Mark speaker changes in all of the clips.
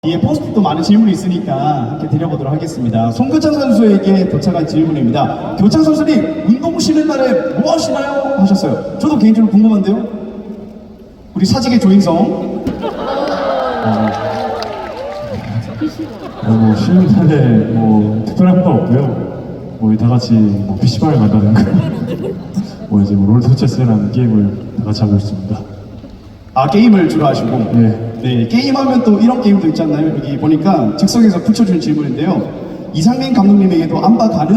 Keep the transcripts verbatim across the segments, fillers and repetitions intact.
Speaker 1: 뒤에 포스트도 많은 질문이 있으니까 함께 드려보도록 하겠습니다. 송교창 선수에게 도착한 질문입니다. 교창 선수님, 운동 쉬는 날에 뭐 하시나요? 하셨어요. 저도 개인적으로 궁금한데요. 우리 사직의 조인성.
Speaker 2: 어, 뭐 쉬는 날에 뭐 특별한 건 없고요. 뭐 다 같이 뭐 피시방을 간다든가 뭐 이제 뭐 롤토체스라는 게임을 다 같이 하고 있습니다.
Speaker 1: 아, 게임을 주로 하시고.
Speaker 2: 네.
Speaker 1: 네, 게임하면 또 이런 게임도 있잖아요. 여기 보니까 즉석에서 붙여준 질문인데요. 이상민 감독님에게도 안바 가능?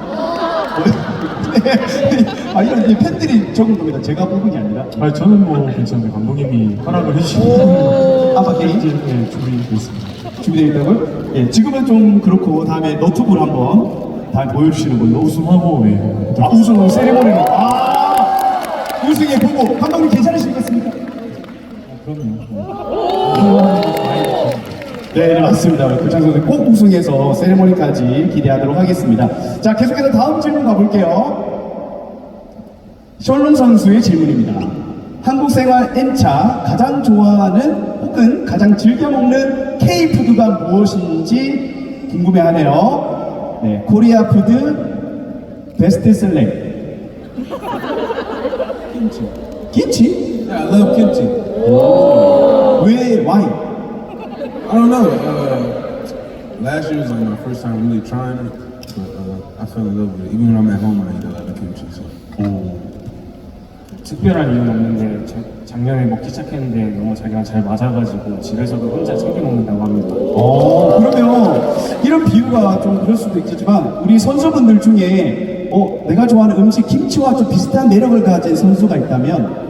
Speaker 1: 아, 이런 이 팬들이 적은 겁니다. 제가 뽑은 게 아니라.
Speaker 2: 아니 저는 뭐 괜찮은데 감독님이 허락을 해주시면
Speaker 1: 안바 게임?
Speaker 2: 네, 준비되어 있습니다.
Speaker 1: 준비되어 있다고요? 예, 지금은 좀 그렇고 다음에 너튜브를 한번 다 보여주시는 걸로.
Speaker 2: 우승하고 네.
Speaker 1: 아, 우승 세리머니로. 아, 우승에 보고 감독님 괜찮으시겠습니까?
Speaker 2: 그럼요.
Speaker 1: 네, 네, 맞습니다. 우리 교창 선수 꼭 우승해서 세리머니까지 기대하도록 하겠습니다. 자, 계속해서 다음 질문 가볼게요. 셜롱 선수의 질문입니다. 한국 생활 N차 가장 좋아하는 혹은 가장 즐겨 먹는 K푸드가 무엇인지 궁금해하네요. 네, 코리아 푸드 베스트셀러.
Speaker 3: Kimchi.
Speaker 1: 김치?
Speaker 3: Yeah, I love kimchi.
Speaker 1: 왜, why?
Speaker 3: I don't know. Uh, last year was like my first time really trying it, but uh, I fell in love with it. Even when I'm at home, I eat a lot of kimchi. So.
Speaker 4: 특별한 이유는 없는데 자- 작년에 먹기 시작했는데 너무 자기랑 잘 맞아가지고 집에서도 혼자 챙겨 먹는다고 합니다.
Speaker 1: 어, 그러면 이런 비유가 좀 그럴 수도 있겠지만 우리 선수분들 중에 어, 내가 좋아하는 음식 김치와 좀 비슷한 매력을 가진 선수가 있다면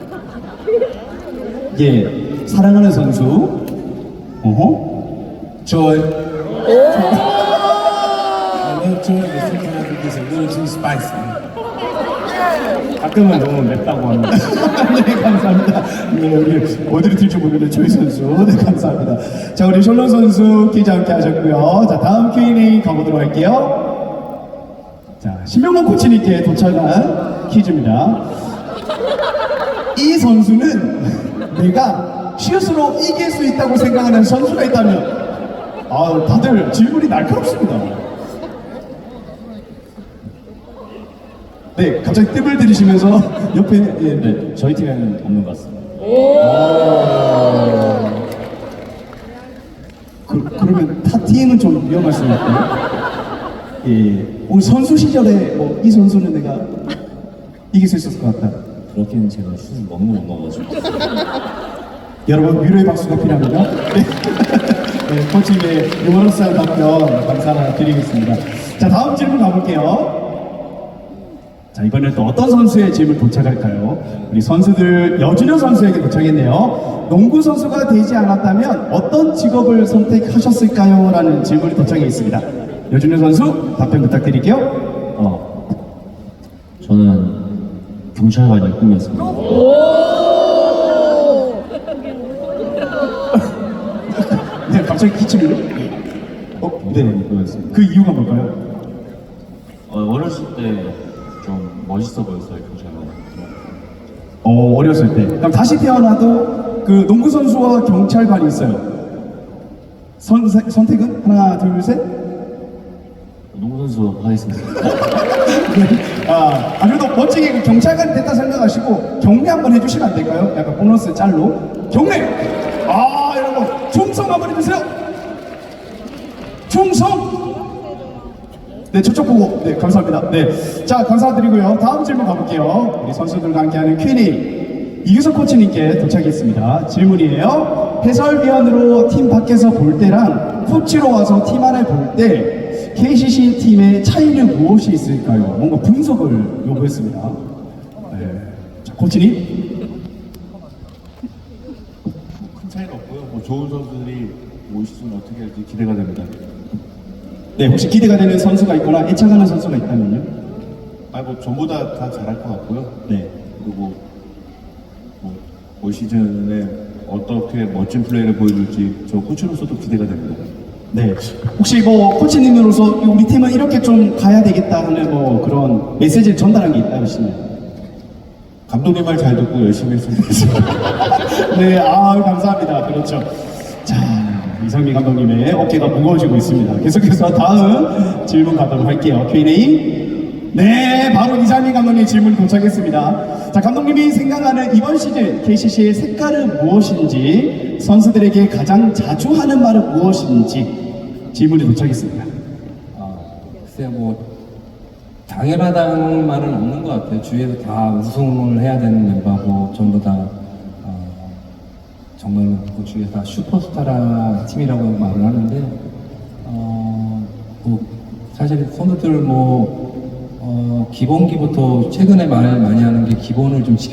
Speaker 1: 예, 사랑하는 선수 어허
Speaker 3: Choi. I love choi, but sometimes it gets a little too spicy.
Speaker 4: 가끔은 너무 맵다고 합니다.
Speaker 1: 네, 감사합니다. 네, 우리 어디로 튈지 모르는 조이 선수. 네, 감사합니다. 자, 우리 셜론 선수 기자 함께 하셨고요. 자, 다음 큐 앤 에이 가보도록 할게요. 자, 신명범 코치님께 도착한 퀴즈입니다. 이 선수는 내가 실수로 이길 수 있다고 생각하는 선수가 있다면 아, 다들 질문이 날카롭습니다. 네, 갑자기 뜸을 들이시면서 옆에 예, 네.
Speaker 4: 저희 팀에는 없는 것 같습니다.
Speaker 1: 그, 그러면 타 팀은 좀 위험할 수 있고요. 예, 우리 선수 시절에 뭐 이 선수는 내가 이길 수 있었을 것 같다.
Speaker 4: 그렇게는 제가 슛을 너무 못 넣어가지고.
Speaker 1: 여러분 위로의 박수가 필요합니다. 네, 네 코치의 유머러스한 답변 감사드리겠습니다. 자, 다음 질문 가볼게요. 자, 이번엔 또 어떤 선수의 질문 도착할까요? 우리 선수들 여준현 선수에게 도착했네요. 농구 선수가 되지 않았다면 어떤 직업을 선택하셨을까요? 라는 질문이 도착해 있습니다. 여준현 선수 답변 부탁드릴게요.
Speaker 4: 어, 저는 경찰관이 꿈이었습니다.
Speaker 1: 네, 갑자기 기침이요? 어, 네.
Speaker 4: 꿈이었습니다.
Speaker 1: 그 이유가 뭘까요?
Speaker 4: 어, 어렸을 때 좀 멋있어 보였어요, 경찰관.
Speaker 1: 어, 어렸을 때. 그럼 다시 태어나도 그 농구 선수와 경찰관이 있어요. 선, 선택은? 하나, 둘, 셋?
Speaker 4: 농구 선수 하겠습니다.
Speaker 1: 아, 아, 그래도 멋지게 그 경찰관이 됐다 생각하시고 경례 한번 해주시면 안 될까요? 약간 보너스 짤로. 경례! 아, 여러분, 충성 한번 해주세요. 충성! 네, 저쪽 보고. 네, 감사합니다. 네. 자, 감사드리고요. 다음 질문 가볼게요. 우리 선수들과 함께하는 큐 앤 에이. 이규석 코치님께 도착했습니다. 질문이에요. 해설위원으로 팀 밖에서 볼 때랑 코치로 와서 팀 안에 볼 때 케이씨씨 팀의 차이는 무엇이 있을까요? 뭔가 분석을 요구했습니다. 네. 자, 코치님.
Speaker 2: 큰 차이는 없고요. 뭐 좋은 선수들이 올 시즌 어떻게 할지 기대가 됩니다.
Speaker 1: 네, 혹시 기대가 되는 선수가 있거나 애착하는 선수가 있다면요?
Speaker 2: 아니 뭐 전부 다 다 잘할 것 같고요.
Speaker 1: 네.
Speaker 2: 그리고 뭐 올 시즌에 어떻게 멋진 플레이를 보여줄지 저 코치로서도 기대가 됩니다.
Speaker 1: 네. 혹시 뭐 코치님으로서 우리 팀은 이렇게 좀 가야 되겠다 하는 뭐 그런 메시지를 전달한 게 있다시나요?
Speaker 2: 감독님 말 잘 듣고 열심히 했으면 좋겠습니다.
Speaker 1: 네, 아 감사합니다. 그렇죠. 자, 이 이상민 감독님의 어깨가 무거워지고 있습니다. 계속해서 다음 질문 가도록 할게요. 큐 앤 에이. 네, 바로 이상민 감독님 질문 도착했습니다. 자, 감독님이 생각하는 이번 시즌 케이씨씨의 색깔은 무엇인지, 선수들에게 가장 자주 하는 말은 무엇인지 질문이 도착했습니다.
Speaker 5: 아, 글쎄요, 뭐 당연하다는 말은 없는 것 같아요. 주위에서 다 우승을 해야 되는 멤버고 전부 다 어, 정말 그 주위에서 다 슈퍼스타라 팀이라고 말을 하는데 어, 뭐 사실 선수들 뭐 어, 기본기부터 최근에 말 많이 하는 게 기본을 좀 지켜.